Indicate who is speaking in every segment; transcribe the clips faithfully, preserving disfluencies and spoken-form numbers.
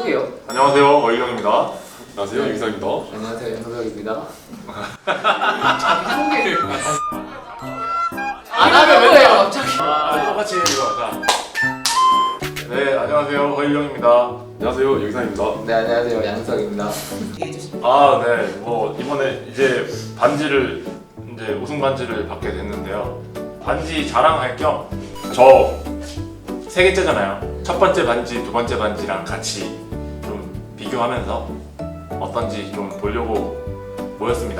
Speaker 1: 시작해요.
Speaker 2: 안녕하세요, 어이경입니다.
Speaker 3: 안녕하세요, 유기상입니다.
Speaker 1: 안녕하세요, 연석입니다. 자기 소개를 안 하면 왜요, 갑자기?
Speaker 2: 아, 똑같이 이거 자. 네, 안녕하세요, 어이경입니다.
Speaker 3: 안녕하세요, 유기상입니다.
Speaker 1: 네, 안녕하세요, 양석입니다.
Speaker 2: 아, 네, 뭐 이번에 이제 반지를 이제 우승 반지를 받게 됐는데요. 반지 자랑할 겸 저 세 개째잖아요. 첫 번째 반지, 두 번째 반지랑 같이 좀 비교하면서 어떤지 좀 보려고 모였습니다.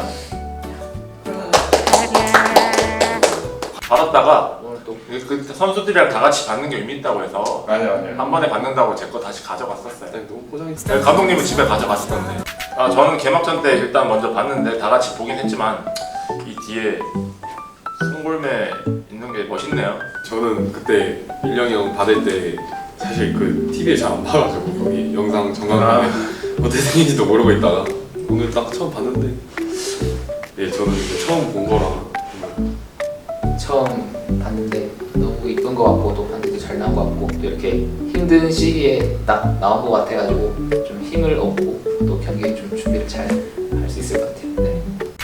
Speaker 2: 받았다가
Speaker 1: 오늘 또
Speaker 2: 그 선수들이랑 다 같이 받는 게 의미 있다고 해서
Speaker 3: 아니요, 아니요.
Speaker 2: 한 번에 받는다고 제 거 다시 가져갔었어요.
Speaker 3: 너무 포장했어.
Speaker 2: 네, 감독님은 집에 가져갔을 건데. 아, 저는 개막전 때 일단 먼저 봤는데 다 같이 보긴 했지만 이 뒤에 송골매 있는 게 멋있네요.
Speaker 3: 저는 그때 일령이 형 받을 때 사실 그 티비에 잘 안 봐가지고 거기 영상 정강판에 어떻게 생긴지도 모르고 있다가 오늘 딱 처음 봤는데 예, 저는 이제 처음 본 거라 정말
Speaker 1: 처음 봤는데 너무 이쁜 것 같고 또 반지도 잘 나온 것 같고 또 이렇게 힘든 시기에 딱 나온 것 같아가지고 좀 힘을 얻고 또 경기에 좀 준비를 잘 할 수 있을 것 같아요. 네.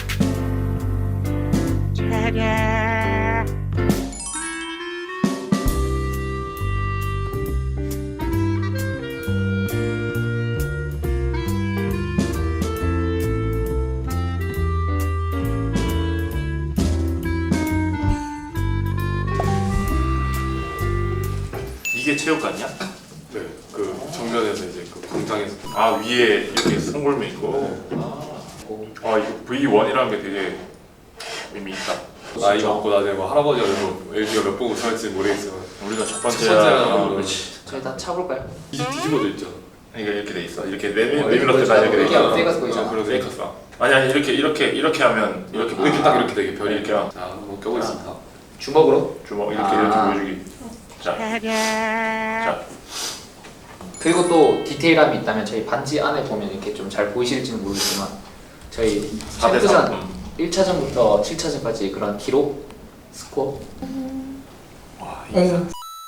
Speaker 2: 이게 체육관이야?
Speaker 3: 네, 그 정면에서 이제 그 광장에서
Speaker 2: 아, 위에 이렇게 송골매 있고.
Speaker 1: 고
Speaker 2: 아, 이거 브이 원이라는 게 되게 의미 있다.
Speaker 3: 나이 먹고 나중에 뭐 할아버지가 돼서 엘지가 몇 번 우승할지 모르겠지만
Speaker 2: 우리가 첫
Speaker 3: 첫
Speaker 2: 번째야.
Speaker 3: 번째라는
Speaker 2: 아,
Speaker 3: 걸로.
Speaker 2: 그렇지.
Speaker 1: 저희 다 차볼까요?
Speaker 3: 뒤- 뒤집어져 있죠.
Speaker 2: 이게 이렇게 돼 있어. 이렇게 내밀
Speaker 1: 어,
Speaker 2: 내밀었을 때
Speaker 1: 이거
Speaker 2: 다 이렇게 돼
Speaker 1: 이렇게
Speaker 2: 있어.
Speaker 1: 하면 페이커스 보이잖아.
Speaker 3: 어, 그런
Speaker 2: 페이커스다. 아니 아니 이렇게 이렇게 이렇게 하면 이렇게
Speaker 3: 이렇게
Speaker 2: 보이지.
Speaker 3: 딱 이렇게 되게 별이
Speaker 2: 이렇게
Speaker 3: 이렇게 자 한번 껴보겠습니다.
Speaker 1: 주먹으로.
Speaker 2: 주먹 이렇게
Speaker 1: 아.
Speaker 2: 이렇게 보여주기. 자, 자.
Speaker 1: 그리고 또 디테일함이 있다면 저희 반지 안에 보면 이렇게 좀 잘 보이실지는 모르겠지만 저희
Speaker 2: 사 대 삼.
Speaker 1: 챔프전 일 차전부터 칠 차전까지 그런 기록 스코어
Speaker 2: 와,
Speaker 1: 음.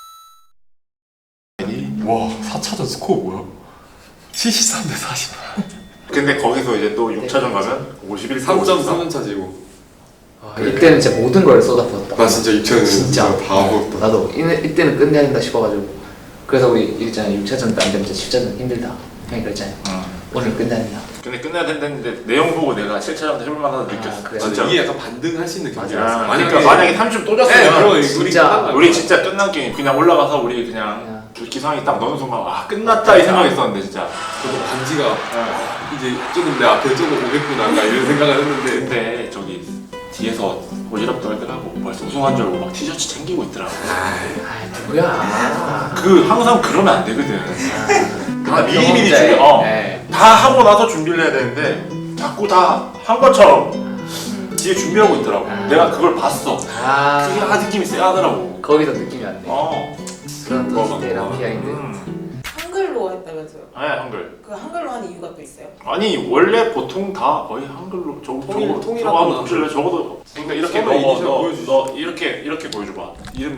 Speaker 3: 와, 사 차전 스코어 뭐야? 칠십삼 대 사십.
Speaker 2: 근데 거기서 이제 또 육 차전 가면 오십일
Speaker 3: 삼 점 삼 차지고.
Speaker 1: 아, 이때는 진짜 모든 걸 쏟아부었다.
Speaker 3: 나 진짜 육 차전
Speaker 1: 진짜
Speaker 3: 다 먹었다.
Speaker 1: 나도 이, 이때는 끝내야 된다 싶어가지고 그래서 우리 있잖아요 육 차전 안 되면 칠 차전 힘들다 형이 그랬잖아요.
Speaker 2: 응.
Speaker 1: 오늘 끝내야 된다.
Speaker 2: 근데 끝내야 된다는데 내용 보고 내가 칠 차전 해볼 만하다
Speaker 1: 아,
Speaker 2: 느꼈어.
Speaker 1: 그래.
Speaker 2: 진짜.
Speaker 3: 이게 약간 반등할 수 있는 경기였어.
Speaker 2: 아, 그러니까 만약에 삼 점 또 졌으면
Speaker 3: 네, 그럼 우리
Speaker 1: 진짜
Speaker 3: 끝난 거야.
Speaker 2: 우리 진짜 끝난 게임 그냥 올라가서 우리 그냥 기상이 딱 넣는 순간 아 끝났다 이 생각했었는데 진짜.
Speaker 3: 저도 반지가
Speaker 2: 응.
Speaker 3: 이제 조금 내 앞에 조금 오겠구나 약간 이런 생각을 했는데
Speaker 2: 근데 저기 뒤에서 오지랖 떨더라고. 벌써 우승한 줄 알고 막 티셔츠 챙기고 있더라고.
Speaker 1: 아 누구야?
Speaker 2: 그 항상 그러면 안 되거든. 다 미리미리
Speaker 1: 경험자의,
Speaker 2: 준비. 어.
Speaker 1: 네.
Speaker 2: 다 하고 나서 준비를 해야 되는데 자꾸 다 한 것처럼 뒤에 준비하고 있더라고.
Speaker 1: 아.
Speaker 2: 내가 그걸 봤어.
Speaker 1: 아
Speaker 2: 그게 아 느낌이 쎄하더라고.
Speaker 1: 거기서 느낌이 왔네.
Speaker 2: 어.
Speaker 1: 그런 또
Speaker 3: 뭐가
Speaker 1: 디테일한
Speaker 3: 뭐가.
Speaker 1: 비하인드.
Speaker 2: 음.
Speaker 4: 한글로 했다면서요?
Speaker 2: 네, 한글.
Speaker 4: 그 한글로 한 이유가 또 있어요?
Speaker 2: 아니 원래 보통 다 거의 한글로 저
Speaker 3: 통일-
Speaker 2: 저거
Speaker 3: 통일하구나.
Speaker 2: 저거 한번 보실래? 적어도 그러니까 이렇게
Speaker 3: 처음에
Speaker 2: 넣어.
Speaker 3: 이니셜
Speaker 2: 너,
Speaker 3: 보여주지.
Speaker 2: 너 이렇게 이렇게 보여줘봐. 이름.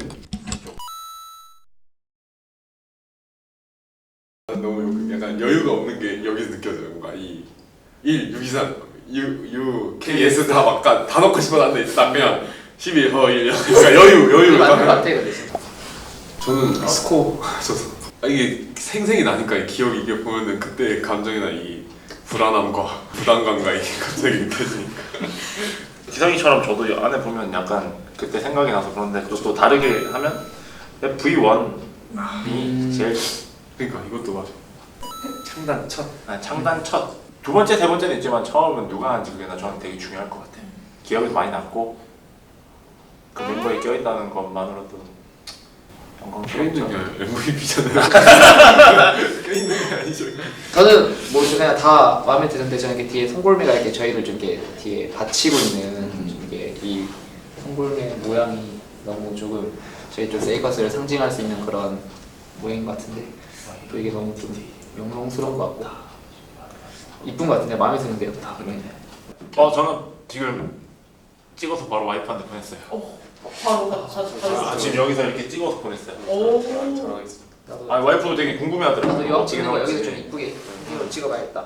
Speaker 3: 너무 약간 여유가 없는 게 여기서 느껴져요. 뭔가 이 일, 육, 이, 삼, U, U, K, S 다 막 다 넣고 싶어놨는데 딱 그냥 십일, 허, 일 그러니까 여유,
Speaker 1: 그게
Speaker 3: 여유.
Speaker 1: 맞는 것 같아 근데 진짜.
Speaker 3: 저는 스코어 저도 아, 이게 생생히 나니까 이 기억이 이게 보면은 그때 감정이나 이 불안함과 부담감과 이게 갑자기 느껴지니까
Speaker 2: 기상이처럼 저도 안에 보면 약간 그때 생각이 나서 그런데 또, 또 다르게 하면 브이 원이
Speaker 1: 음.
Speaker 2: 제일
Speaker 3: 그러니까 이것도 맞아. 창단 첫
Speaker 2: 아, 창단 첫 두 번째 세 번째는 있지만 처음은 누가 한지 그게 나 저는 되게 중요할 것 같아요. 기억이 많이 남고 그 멤버에 껴있다는 것만으로도
Speaker 3: 껴있는
Speaker 2: 영광스럽죠.
Speaker 3: 게 엠브이피잖아요. 껴있는 게 아니죠.
Speaker 1: 저는 뭐 그냥 다 마음에 드는데 저는 이렇게 뒤에 송골매가 이렇게 저희를 좀 이렇게 뒤에 받치고 있는 좀 이게 이 송골매 모양이 너무 조금 저희 좀 세이커스를 상징할 수 있는 그런 모양인 것 같은데 또 이게 너무 좀 영롱스러운 것 같고 이쁜 것 같은데 마음에 드는데요. 네.
Speaker 2: 어 저는 지금 찍어서 바로 와이프한테 보냈어요.
Speaker 4: 어, 바로 가, 가, 가,
Speaker 2: 아, 지금 여기서 이렇게 찍어서 보냈어요.
Speaker 4: 오,
Speaker 3: 자랑하겠습니다.
Speaker 1: 나도
Speaker 2: 아 와이프도 되게
Speaker 1: 나도
Speaker 2: 궁금해하더라고.
Speaker 1: 이거
Speaker 2: 어떻게
Speaker 1: 찍는 거
Speaker 2: 나올지.
Speaker 1: 여기서 좀 이쁘게 이거 찍어봐야겠다.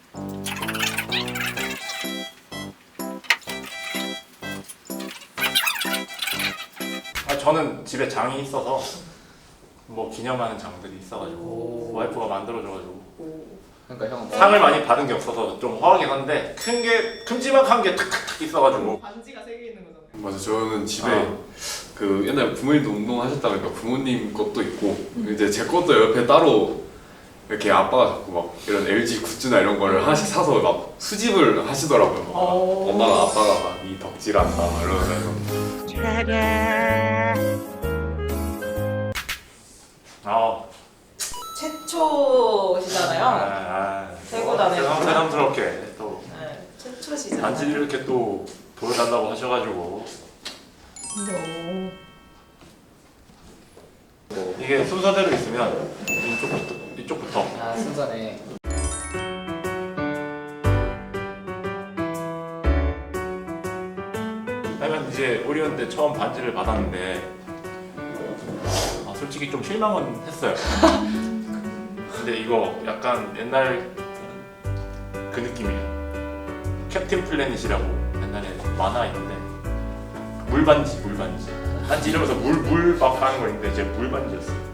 Speaker 2: 아 저는 집에 장이 있어서 뭐 기념하는 장들이 있어가지고
Speaker 1: 오.
Speaker 2: 와이프가 만들어줘가지고
Speaker 1: 그러니까 형은 뭐
Speaker 2: 상을 많이 받은 게 없어서 좀 허하긴 한데 큰 게 큼지막한 게 탁탁탁 있어가지고
Speaker 4: 반지가 세 개 있는 거잖아요.
Speaker 3: 맞아, 저는 집에
Speaker 2: 아.
Speaker 3: 그 옛날에 부모님도 운동하셨다 보니까 부모님 것도 있고 이제 제 것도 옆에 따로 이렇게 아빠가 자꾸 막 이런 엘지 굿즈나 이런 거를 하나씩 사서 막 수집을 하시더라고요. 막
Speaker 4: 어.
Speaker 3: 엄마가 아빠가 막 이 덕질한다 막 이러면서
Speaker 2: 아,
Speaker 4: 최초시잖아요.
Speaker 2: 아,
Speaker 4: 최고다네.
Speaker 2: 새삼, 새삼스럽게 또
Speaker 4: 네, 최초시잖아요.
Speaker 2: 반지를 이렇게 또 보여달라고 하셔가지고
Speaker 1: 뭐
Speaker 2: 이게 순서대로 있으면 이쪽부터 이쪽부터
Speaker 1: 아 순서네.
Speaker 2: 하면 이제 오리온 때 처음 반지를 받았는데 아, 솔직히 좀 실망은 했어요. 근데 이거 약간 옛날 그 느낌이에요. 캡틴 플래닛이라고 옛날에 만화 있는데 물반지 물반지 반지 이러면서 물물막 하는 거 있는데 이제 물반지였어요.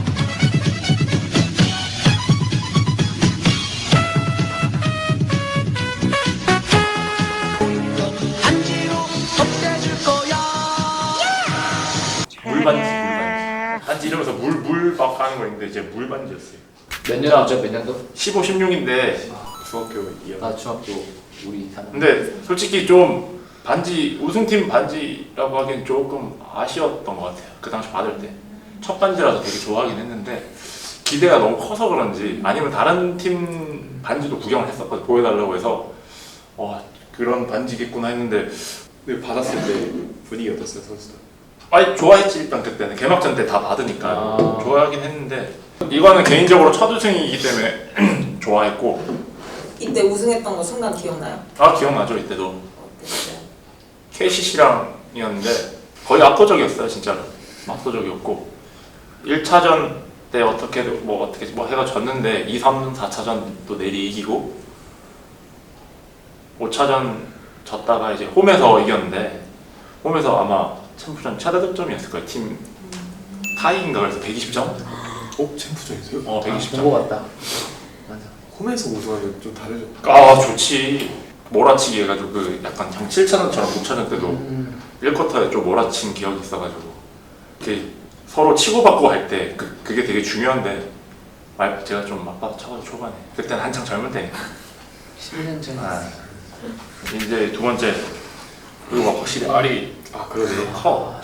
Speaker 2: 물반지 물반지 반지 이러면서 물물막 하는 거 있는데 이제 물반지였어요.
Speaker 1: 몇 년도죠? 몇 년도?
Speaker 2: 십오, 십육인데
Speaker 3: 중학교 이 학년
Speaker 1: 나 중학교 우리 사는.
Speaker 2: 근데 솔직히 좀 반지 우승팀 반지라고 하기엔 조금 아쉬웠던 것 같아요. 그 당시 받을 때 첫 반지라서 되게 좋아하긴 했는데 기대가 너무 커서 그런지 아니면 다른 팀 반지도 구경을 했었거든요. 보여달라고 해서 와 그런 반지겠구나 했는데
Speaker 3: 근데 받았을 때 분위기 어땠어요, 선수들?
Speaker 2: 아니 좋아했지. 일단 그때는 개막전 때 다 받으니까
Speaker 1: 아.
Speaker 2: 좋아하긴 했는데 이거는 개인적으로 첫 우승이기 때문에 좋아했고
Speaker 4: 이때 우승했던 거 순간 기억나요?
Speaker 2: 아 기억나죠. 이때도
Speaker 4: 어땠어요?
Speaker 2: 케이씨씨랑이었는데 거의 압도적이었어요. 진짜로 압도적이었고 일 차전 때 어떻게 뭐 어떻게 뭐 해가 졌는데 이, 삼, 사 차전 또 내리 이기고 오 차전 졌다가 이제 홈에서 이겼는데 홈에서 아마 챔프전 최다 득점이었을 거예요. 팀 타이인가 그래서 백이십 점?
Speaker 3: 어? 챔프전이세요?
Speaker 2: 어 백이십 점.
Speaker 1: 본거 같다. 맞아.
Speaker 3: 홈에서 우승하면 좀 다르죠?
Speaker 2: 아 좋지. 몰아치기 해가지고 그 약간 장 칠 차전처럼 육 차전 때도
Speaker 1: 음.
Speaker 2: 일 쿼터에 좀 몰아친 기억이 있어가지고 이렇게 서로 치고받고 할 때 그, 그게 되게 중요한데 말 제가 좀 맞받아 쳐가지고 초반에 그때는 한창 젊을 때니까
Speaker 1: 십 년 전.
Speaker 2: 아, 이제 두 번째 그리고 막 확실히 알이
Speaker 3: 아 그러네.
Speaker 2: 커.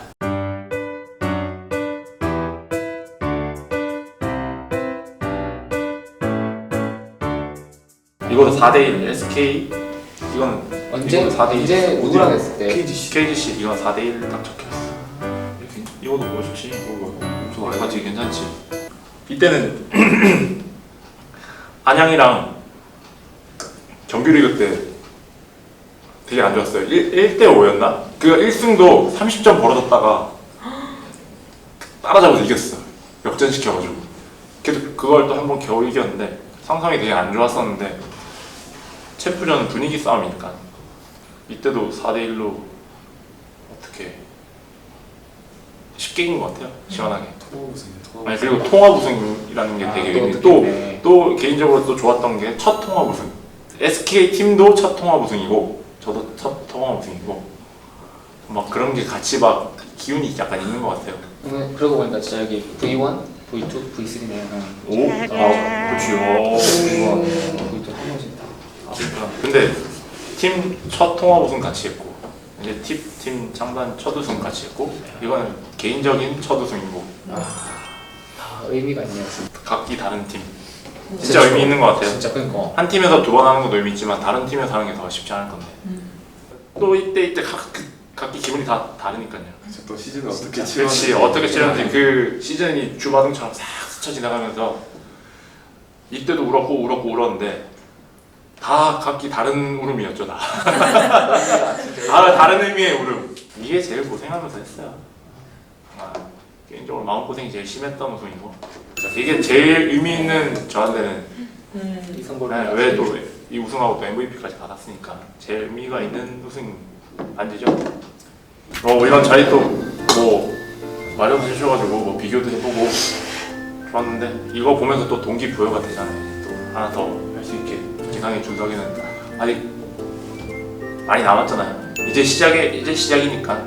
Speaker 2: 이거도 사 대 일 에스케이 이건
Speaker 1: 언제
Speaker 2: 이건 사 대 일.
Speaker 1: 언제 누구랑 했을 때?
Speaker 3: 케이지씨
Speaker 2: 케이지씨 이건 사 대 일 딱 적혀있어. 이렇게 이거도 멋있지.
Speaker 3: 엄청
Speaker 2: 어,
Speaker 3: 알지.
Speaker 2: 바지 괜찮지. 이때는 안양이랑 정규리그 때 되게 안 좋았어요. 일 대 오였나? 그 일 승도 삼십 점 벌어졌다가 따라잡아서 이겼어. 역전시켜가지고. 그래도 그걸 또 한 번 겨우 이겼는데 상상이 되게 안 좋았었는데 챔프전은 분위기 싸움이니까 이때도 사 대 일로 어떻게 쉽게 이긴 것 같아요. 시원하게.
Speaker 3: 통합 우승이야. 통합
Speaker 2: 아니 그리고 통합 우승이라는 게
Speaker 1: 아,
Speaker 2: 되게
Speaker 1: 또
Speaker 2: 의미 또,
Speaker 1: 느낌이네.
Speaker 2: 또 개인적으로 또 좋았던 게 첫 통합 우승. 에스케이 팀도 첫 통합 우승이고 저도 첫 통합 우승이고 막 그런 게 같이 막 기운이 약간 있는 것 같아요.
Speaker 1: 오늘 그러고 보니까 진짜 여기 브이 원, 브이 투, 브이 쓰리네.
Speaker 2: 오, 아, 그렇지. 오,
Speaker 1: 브이 원, 브이 투 한 번씩 다.
Speaker 2: 아, 그렇구나. 근데 팀 첫 통합 우승 같이 했고 이제 팀, 팀 창단 첫 우승 같이 했고 이거는 개인적인 첫 우승이고
Speaker 1: 다 의미가 있네요. 진짜.
Speaker 2: 각기 다른 팀 진짜 의미 있는 것 같아요.
Speaker 1: 진짜 그러니까.
Speaker 2: 한 팀에서 두 번 하는 것도 의미 있지만 다른 팀에서 하는 게 더 쉽지 않을 건데 또 이때 이때 각, 그- 각기 기분이 다 다르니까요.
Speaker 3: 그쵸, 또 시즌을 어떻게
Speaker 2: 그렇지 어떻게 치렀는지 그 시즌이 주마등처럼 싹 스쳐 지나가면서 이때도 울었고 울었고 울었는데 다 각기 다른 울음이었죠 다. 다 다른 의미의 울음. 이게 제일 고생하면서 했어요. 아, 개인적으로 마음고생이 제일 심했던 우승이고 이게 제일 의미 있는 저한테는
Speaker 4: 음.
Speaker 1: 이 성골매
Speaker 2: 네, 왜또 이 우승하고 또 엠브이피까지 받았으니까 제일 의미가 있는 우승 반지죠. 어 이런 자리 또뭐 마련 해주셔가지고 뭐 비교도 해보고 좋았는데 이거 보면서 또 동기부여가 되잖아요. 또 하나 더 할 수 있게. 기상의 준석이는 아직 많이 남았잖아요. 이제 시작에 이제 시작이니까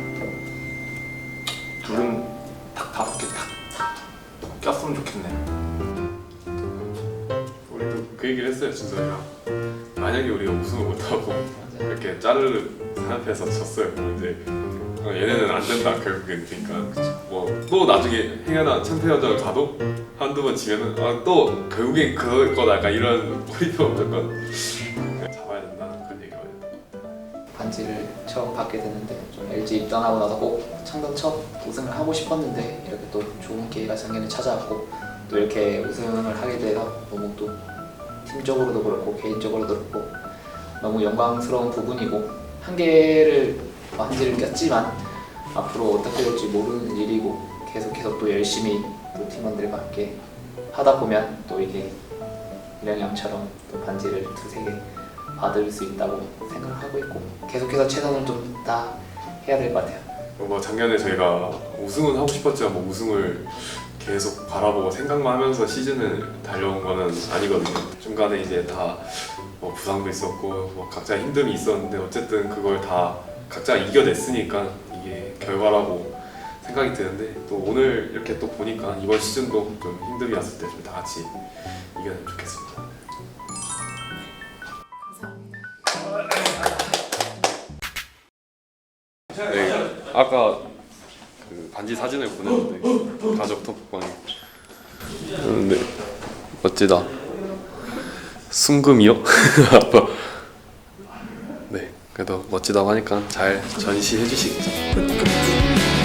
Speaker 2: 둘은 딱 다섯 개 딱 꼈으면 좋겠네요.
Speaker 3: 우리도 그 얘기를 했어요 준석이랑. 만약에 우리가 우승을 못하고 이렇게 짜르르 산업에서 졌어요. 이제 어, 얘네는 안 된다 결국엔. 그러니까 뭐 또 나중에 행여나 챔피언전을 가도 한두 번 지면은 아, 또 결국엔 그럴 거다. 약간 이런 포인트가 무조건 잡아야 된다는 그런 얘기거든요.
Speaker 1: 반지를 처음 받게 됐는데 좀 엘지 입단하고 나서 꼭 창단 첫 우승을 하고 싶었는데 이렇게 또 좋은 기회가 작년에 찾아왔고 또 이렇게 우승을 하게 돼서 너무 또 팀적으로도 그렇고 개인적으로도 그렇고 너무 영광스러운 부분이고 한계를 반지를 꼈지만 앞으로 어떻게 될지 모르는 일이고 계속해서 또 열심히 또 팀원들과 함께 하다 보면 또 이게 이런 형처럼 또 반지를 두세 개 받을 수 있다고 생각을 하고 있고 계속해서 최선을 좀 다 해야 될 것 같아요.
Speaker 3: 뭐 작년에 저희가 우승은 하고 싶었지만 뭐 우승을 계속 바라보고 생각만 하면서 시즌을 달려온 거는 아니거든요. 중간에 이제 다 뭐 부상도 있었고 뭐 각자 힘듦이 있었는데 어쨌든 그걸 다 각자 이겨냈으니까 이게 결과라고 생각이 드는데 또 오늘 이렇게 또 보니까 이번 시즌도 좀 힘듦이 왔을 때 좀 다 같이 이겨내면 좋겠습니다. 네, 아까 그 반지 사진을 보냈는데 가족 톡방에 근데 멋지다. 순금이요? 아빠. 네, 그래도 멋지다고 하니까 잘 전시해 주시겠죠.